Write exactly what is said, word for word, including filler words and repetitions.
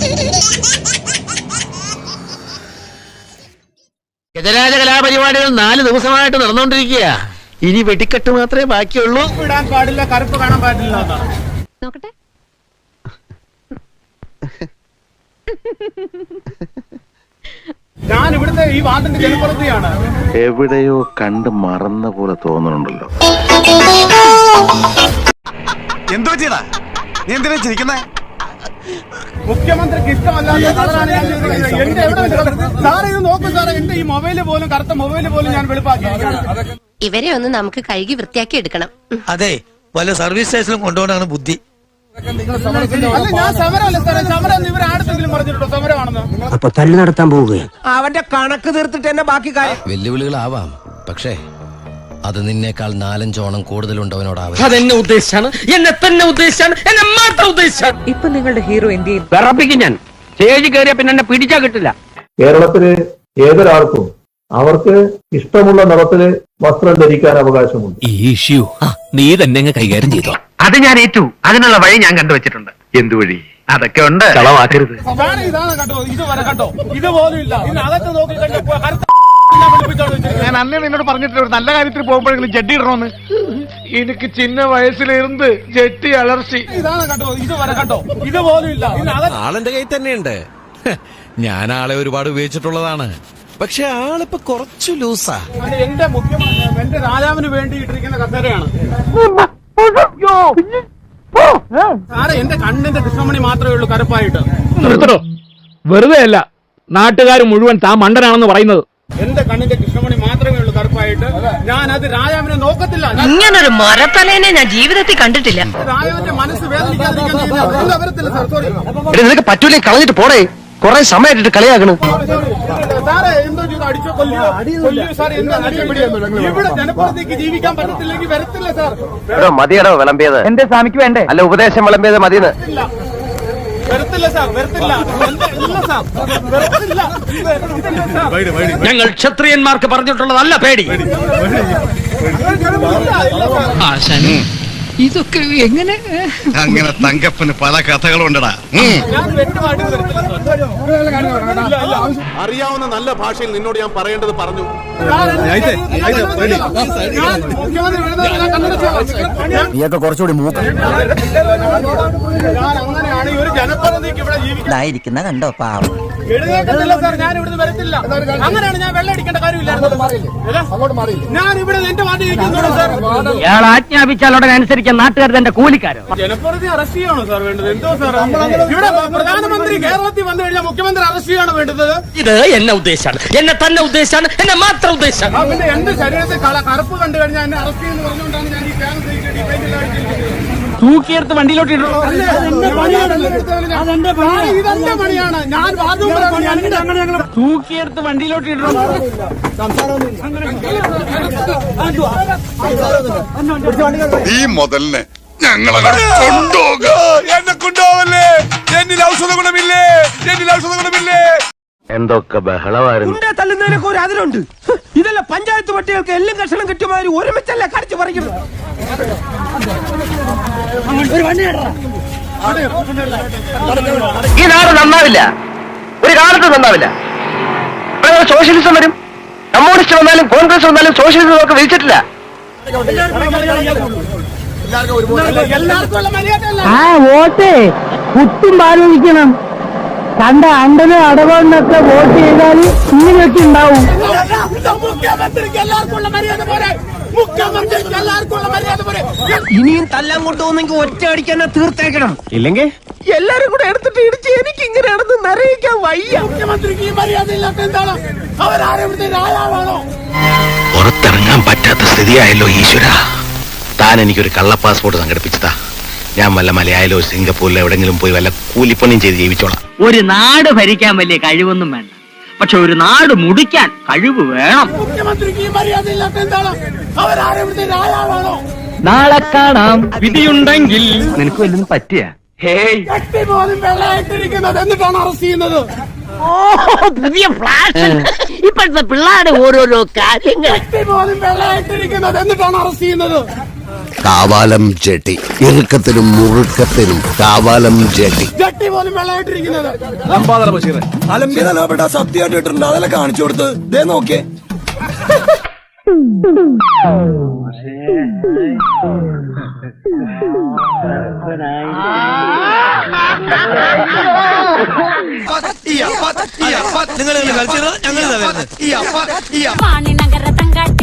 ഗജരാജ കലാപരിപാടികൾ നാല് ദിവസമായിട്ട് നടന്നുകൊണ്ടിരിക്കുക. ഇനി വെടിക്കെട്ട് മാത്രമേ ബാക്കിയുള്ളൂ. ഇടാൻ പാടില്ല, കറുപ്പ് കാണാൻ പാടില്ല. നോക്കട്ടെ. ഞാൻ ഇവിടുത്തെ ഈ വാർഡിന്റെ ജനപ്രതിയാണ്. എവിടെയോ കണ്ട് മറന്ന പോലെ തോന്നുന്നുണ്ടല്ലോ. എന്തോ ചെയ്താ നീ എന്തിനാ ചിരിക്കുന്നേ? മുഖ്യമന്ത്രിക്ക് ഇഷ്ടമല്ലാത്ത കളറാണ് ഞാൻ ചെയ്തിരിക്കുന്നത്. എന്റെ എവിടെ സാറേ ഇത് നോക്കൂ സാറേ, എന്റെ ഈ മൊബൈല് പോലും കറുത്ത മൊബൈല് പോലും ഞാൻ വെളുപ്പാക്കിയിരിക്കുകയാണ്. ഇവരെ ഒന്ന് നമുക്ക് കഴുകി വൃത്തിയാക്കി എടുക്കണം. അതെ, വല്ല സർവീസ് സ്റ്റേഷനിലും കൊണ്ടുപോകാനാണ് ബുദ്ധി. അല്ല, ഞാൻ സമരമല്ല സാറേ, സമരം ഇവർ ആടുത്തെങ്കിലും പറഞ്ഞിട്ടുണ്ടോ സമരമാണെന്ന്? അപ്പൊ തല്ലു നടത്താൻ പോവുകയാണ്. അവന്റെ കണക്ക് തീർത്തിട്ട് തന്നെ ബാക്കി കാര്യം. വെല്ലുവിളികളാവാം, പക്ഷേ അത് നിന്നേക്കാൾ നാലഞ്ചോണം കൂടുതലുണ്ടവനോടാവും. അതെന്നെ ഉദ്ദേശിച്ചാണ്, എന്നെ തന്നെ ഉദ്ദേശിച്ചാണ്, എന്നെ മാത്രം ഉദ്ദേശിച്ചാണ്. ഇപ്പൊ നിങ്ങളുടെ ഹീറോ എന്ത് ചെയ്യും? വിറപ്പിക്കും ഞാൻ. സ്റ്റേജ് കയറിയ പിന്നെ എന്നെ പിടിച്ചാ കിട്ടില്ല. കേരളത്തില് ഏതൊരാൾക്കും അവർക്ക് ഇഷ്ടമുള്ള നിറത്തില് വസ്ത്രം ധരിക്കാൻ അവകാശമുണ്ട്. ഈ ഇഷ്യൂ നീ തന്നെ കൈകാര്യം ചെയ്തോ. അത് ഞാൻ ഏറ്റു. അതിനുള്ള വഴി ഞാൻ കണ്ടുവച്ചിട്ടുണ്ട്. എന്ത് വഴി? അതൊക്കെ ഉണ്ട്. കളവാക്കരുത്. സാറേ ഇതാണ് കേട്ടോ, ഇത് വരെ കേട്ടോ, ഇതുപോലും ഇല്ല. ഇതിനകത്ത് നോക്കി ഞാൻ അന്നേ നിന്നോട് പറഞ്ഞിട്ടില്ല ഒരു നല്ല കാര്യത്തിൽ പോകുമ്പോഴെങ്കിലും ജഡ്ഡി ഇടണമെന്ന്. എനിക്ക് ചിന്ന വയസ്സിലിരുന്ന് ജെട്ടി അലർച്ചി. ഇതാണ് കേട്ടോ, ഇത് വരെ കേട്ടോ, ഇതുപോലും ഇല്ല. ആളെന്റെ കയ്യിൽ തന്നെയുണ്ട്. ഞാൻ ആളെ ഒരുപാട് ഉപയോഗിച്ചിട്ടുള്ളതാണ്. പക്ഷെ ആളിപ്പോ കുറച്ചു ലൂസാ. എന്റെ മുഖ്യമന്ത്രി എന്റെ രാജാവിന് വേണ്ടി ഇട്ടിരിക്കുന്ന കസേരയാണ് സാറേ. എന്റെ കണ്ണിന്റെ കൃഷ്ണമണി മാത്രമേ ഉള്ളൂ കറുപ്പായിട്ട്. വെറുതെ അല്ല നാട്ടുകാർ മുഴുവൻ താൻ മണ്ടനാണെന്ന് പറയുന്നത്. എന്റെ കണ്ണിന്റെ കൃഷ്ണമണി മാത്രമേ ഉള്ളൂ കറുപ്പായിട്ട്. ഞാൻ അത് രാജാവിനെ നോക്കത്തില്ല. ഇങ്ങനൊരു മരത്തലേനെ ഞാൻ ജീവിതത്തിൽ കണ്ടിട്ടില്ല. രാജാവിന്റെ മനസ്സ് വേദനിക്കാതിരിക്കാൻ വരത്തില്ല സാർ. സോറി നിനക്ക് പറ്റൂലേ, കളഞ്ഞിട്ട് പോടേ. കൊറേ സമയമായിട്ട് കളിയാകണ്. സാറേ എന്തോ ചെയ്തു, അടിച്ചോ കൊല്ലിയോ കൊല്ലിയോ സാർ. എന്താ ഇവിടെ ജനപ്രതിക്ക് ജീവിക്കാൻ പറ്റത്തില്ലെങ്കിൽ വരത്തില്ല സാർ. മതിയടോ വിളമ്പിയത്. എന്റെ സ്വാമിക്ക് വേണ്ടേ? അല്ല, ഉപദേശം വിളമ്പിയത് മതിയെന്ന്. വരത്തില്ല സാർ, വരത്തില്ല സാർ, വരത്തില്ല. ഞങ്ങൾ ക്ഷത്രിയന്മാർക്ക് പറഞ്ഞിട്ടുള്ളതല്ല പേടി. ഇതൊക്കെ എങ്ങനെ? അങ്ങനെ തങ്കപ്പന് പല കഥകളുണ്ടടാ. അറിയാവുന്ന നല്ല ഭാഷയിൽ നിന്നോട് ഞാൻ പറയേണ്ടത് പറഞ്ഞു. നീയൊക്കെ കുറച്ചുകൂടി മൂക്ക അങ്ങനെയാണ് ഈ ഒരു ജനപ്രതിനിധിക്ക് ഇവിടെ ജീവിക്കാൻ കണ്ടോ പാവം. എഴുന്നേക്കത്തില്ല സാർ, ഞാൻ ഇവിടുന്ന് വരത്തില്ല. അങ്ങനെയാണ് ഞാൻ വെള്ളം അടിക്കേണ്ട കാര്യമില്ലായിരുന്നു. ഞാൻ ഇവിടെ എന്റെ വാർഡിൽ ഇരിക്കുന്നുള്ളൂ സാർ. ഇയാൾ ആജ്ഞാപിച്ചാൽ ഉടനെ അനുസരിക്കാൻ നാട്ടുകാർ തന്റെ കൂലിക്കാരോ? ജനപ്രതിനിധി അറസ്റ്റ് ചെയ്യണോ സാർ വേണ്ടത്? എന്തോ സാർ, ഇവിടെ പ്രധാനമന്ത്രി കേരളത്തിൽ വന്നു കഴിഞ്ഞാൽ മുഖ്യമന്ത്രി അറസ്റ്റ് ചെയ്യണോ വേണ്ടത്? ഇത് എന്നെ ഉദ്ദേശാണ്, എന്നെ തന്നെ ഉദ്ദേശാണ്, എന്നെ മാത്രം ഉദ്ദേശാണ്. പിന്നെ എന്റെ ശരീരത്തിൽ കറുപ്പ് കണ്ടു കഴിഞ്ഞാൽ എന്നെ അറസ്റ്റ് ചെയ്യുന്നു പറഞ്ഞുകൊണ്ടാണ് ഞാൻ ഈ ക്യാമ്പ് തൂക്കിയെടുത്ത് വണ്ടിയിലോട്ട് ഇടണോ? ഇതെന്റെ പണിയാണ്. ഞാൻ തൂക്കിയെടുത്ത് വണ്ടിയിലോട്ട് ഇടണോ? ഈ മുതലിനെ ഞങ്ങളെ കൊണ്ടുപോകുക. എന്നെ കൊണ്ടുപോവല്ലേ? എന്നിൽ ഔഷധ ഗുണമില്ലേ? എന്നിൽ ഔഷധ ഗുണമില്ലേ? എന്തൊക്കെ ബഹളമായിരുന്നു. തല്ലുന്നതിനൊക്കെ ഒരു അതിലുണ്ട്. ഇതല്ല പഞ്ചായത്ത് പട്ടികൾക്ക് എല്ലാം കഷണം കിട്ടുമാതിരി ഒരുമിച്ചല്ല കടിച്ചു പറിക്കുന്നത്. ഈ നാട് നന്നാവില്ല, ഒരു കാലത്ത് നന്നാവില്ല. സോഷ്യലിസം വരും. കമ്മ്യൂണിസ്റ്റ് വന്നാലും കോൺഗ്രസ് വന്നാലും സോഷ്യലിസം നമുക്ക് വിളിച്ചിട്ടില്ല. ആ വോട്ട് കുത്തും ആലോചിക്കണം. കണ്ട അണ്ടനും അടവണ്ണൊക്കെ വോട്ട് ചെയ്താൽ ഇങ്ങനെയൊക്കെ ഉണ്ടാവും. ഇനിയും തല്ലാൻ കൊണ്ടുപോകുന്നെങ്കിൽ ഒറ്റ അടിക്കാൻ തീർത്തേക്കണം. ഇല്ലെങ്കിൽ എല്ലാരും കൂടെ എടുത്തിട്ട് ഇടിച്ച് എനിക്ക് ഇങ്ങനെയാണെന്ന് നിറയിക്കാൻ വയ്യ. മുഖ്യമന്ത്രിക്ക് മര്യാദ ഇല്ലാത്ത എന്താണ്? അവരാരെവിടുത്തെ രാജാവാണോ? പുറത്തിറങ്ങാൻ പറ്റാത്ത സ്ഥിതിയായല്ലോ ഈശ്വര. താൻ എനിക്കൊരു കള്ള പാസ്പോർട്ട് സംഘടിപ്പിച്ചതാ. ഞാൻ വല്ല മലയാളിലോ സിംഗപ്പൂരിലോ എവിടെങ്കിലും പോയി വല്ല കൂലിപ്പണിയും ചെയ്ത് ജീവിച്ചോളാം. ഒരു നാട് ഭരിക്കാൻ വലിയ കഴിവൊന്നും വേണ്ട, പക്ഷെ ഒരു നാട് മുടിക്കാൻ കഴിവ് വേണം. മുഖ്യമന്ത്രിക്ക് മര്യാദ ഇല്ലാത്ത എന്താണ്? അവരാരെവിടുത്തെ രാജാവാണോ? നാളെ കാണാം. വിധിയുണ്ടെങ്കിൽ നിനക്ക് വല്ലതും പറ്റിയ ജട്ടി പോലും വെള്ളമായിട്ടിരിക്കുന്നത് എന്നിട്ടാണ് അറസ്റ്റ് ചെയ്യുന്നത്. പുതിയ ഫ്ലാഷ് ഇപ്പോഴത്തെ പിള്ളേരുടെ ഓരോരോ കാര്യങ്ങൾ. ജട്ടി പോലും വെള്ളമായിട്ടിരിക്കുന്നത് എന്നിട്ടാണ് അറസ്റ്റ് ചെയ്യുന്നത്. കാവാലം ജെട്ടി ഇറുക്കത്തിനും മുറുക്കത്തിനും കാവാലം ജെട്ടി. ജട്ടി പോലും വെള്ളമായിട്ടിരിക്കുന്നത്. അലമ്പിതപ്പെട്ട സത്യമായിട്ടുണ്ട് അതെല്ലാം കാണിച്ചു കൊടുത്ത് ദേ നോക്കിയേ. നിങ്ങൾ കളിച്ചത് ഞങ്ങൾ നഗര തങ്കാട്ടി